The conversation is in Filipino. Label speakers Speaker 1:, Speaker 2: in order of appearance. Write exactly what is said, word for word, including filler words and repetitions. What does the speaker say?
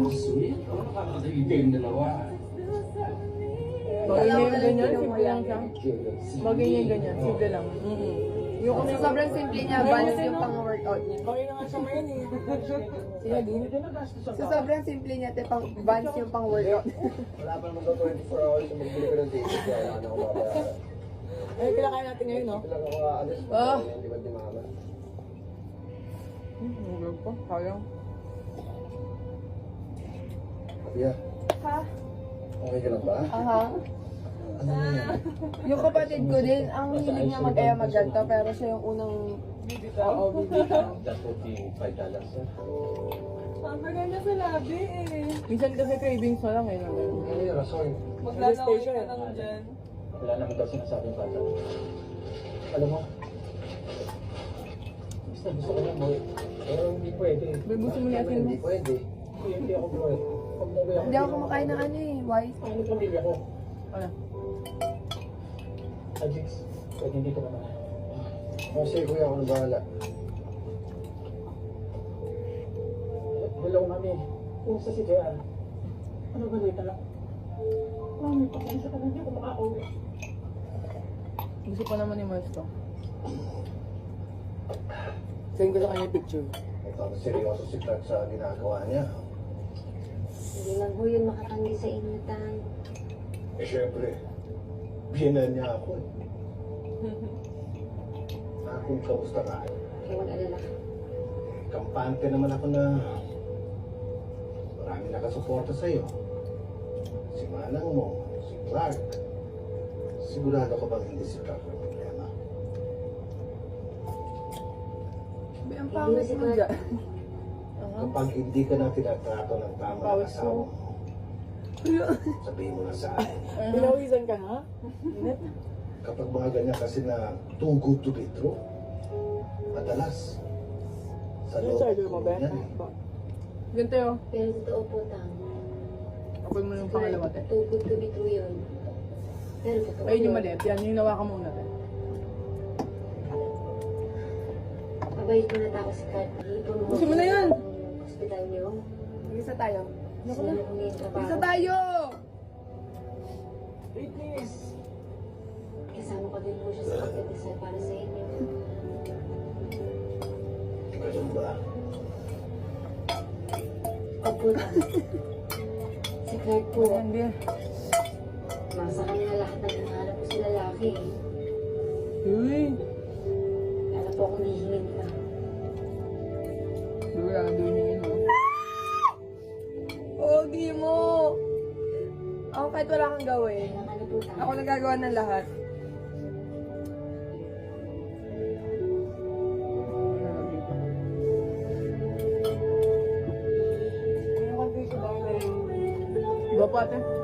Speaker 1: sweet. Ano nakakatagig kayong dalawa?
Speaker 2: Bagay niya yung ganyan, simple lang siya. Bagay niya yung ganyan, simple lang. Mm-hmm. Yung
Speaker 3: Sa sobrang simple niya, balance yung pang-workout niya.
Speaker 2: bagay na nga siya ngayon eh. Sige, din.
Speaker 3: Sa sobrang simple niya, te, pang balance yung pang-workout.
Speaker 4: Wala pa naman daw twenty-four hours na magbili ko ng ticket. Kaya wala na ako mabayaran.
Speaker 2: Ay, kinakain natin ngayon, no?
Speaker 4: Ito lang ako aalis.
Speaker 2: Ah.
Speaker 4: Hindi ba di mama?
Speaker 2: Hmm, ang gawin pa, sayang.
Speaker 4: Kuya,
Speaker 3: Ha?
Speaker 4: okay ka lang ba?
Speaker 3: Aha.
Speaker 4: Ano na yan?
Speaker 3: Yung kapatid ko din, ang hilig niya mag-aya magganto, pero siya yung unang... Oo, bibitaw.
Speaker 4: That would be five dollars.
Speaker 5: Ang maganda sa labi eh.
Speaker 2: Minsan kasi cravings na lang eh. no?
Speaker 4: Ano yung rason?
Speaker 5: Maglalaway ka lang dyan.
Speaker 4: Wala naman daw sinasabing bata. Alam mo, gusto gusto ko lang mo. Pero hindi pwede.
Speaker 2: May gusto mo yakin mo?
Speaker 4: Hindi pwede. Hindi, hindi ako bro. Pag umuwi ako.
Speaker 3: Hindi ako kumakain ng ano eh, white.
Speaker 4: Ano pamilya ko?
Speaker 2: Ano?
Speaker 4: Ajix, pwede hindi ko naman. Kasi kuya ako na bahala. Hello, mami. Kumusta si J R? Ano ba dito? Mami, pasensya ka na, hindi ako makauwi.
Speaker 2: Gusto pa naman ni Mars to. Send ko sa kanya yung picture.
Speaker 4: Ito, seryoso si Clark sa ginagawa niya.
Speaker 6: Hindi lang ho yun makatanggi sa inyo, Tan.
Speaker 4: Eh, syempre, biyanan niya ako eh. Akong kamusta ka?
Speaker 6: Kaya mag-alala ka.
Speaker 4: Kampante naman ako na marami nakasuporta sa'yo. Si Manang mo, si Clark. Sigurado ka bang hindi si Clark ang problema?
Speaker 3: May ang pangit mo dyan.
Speaker 4: Kapag hindi ka na tinatrato ng tama ng
Speaker 2: Pawis
Speaker 4: asawa
Speaker 2: mo.
Speaker 4: mo, sabihin mo na sa akin.
Speaker 2: Pinawisan ka na?
Speaker 4: Kapag mga ganyan kasi na too good to be true, madalas sa
Speaker 2: Yung
Speaker 4: loob
Speaker 2: charger mo,
Speaker 4: ko
Speaker 2: Ben?
Speaker 4: yan eh.
Speaker 2: Ganito yun.
Speaker 6: Pero totoo po, Tan.
Speaker 2: Kapag mo yung pangalawa, te.
Speaker 6: Too good to be true yun. Pero totoo
Speaker 2: Ayun yung
Speaker 6: yun.
Speaker 2: maliit. Yan, yung nawakan mo una, te.
Speaker 6: Mabait mo na tao si Kat. Ipon mo.
Speaker 2: Gusto mo na yan.
Speaker 6: Hospital niyo.
Speaker 3: Isa tayo.
Speaker 6: Sino ko na yung trabaho.
Speaker 3: Isa tayo!
Speaker 2: Wait, please.
Speaker 6: Kasama ko din po siya sa pagdadasal para sa inyo.
Speaker 4: Ganun ba?
Speaker 6: Opo, Tan. Si Clark po,
Speaker 2: Ayan, Ben.
Speaker 6: nasa kanya lahat ng hinahanap ko sa lalaki.
Speaker 2: Uy.
Speaker 6: Lalo po akong hihingin ka.
Speaker 2: Sigurado yun yun, no?
Speaker 3: Pogi mo! Ako kahit wala kang gawin.
Speaker 6: Kailangan na po, Tan.
Speaker 3: Ako nagagawa ng lahat.
Speaker 2: Iba pa, te.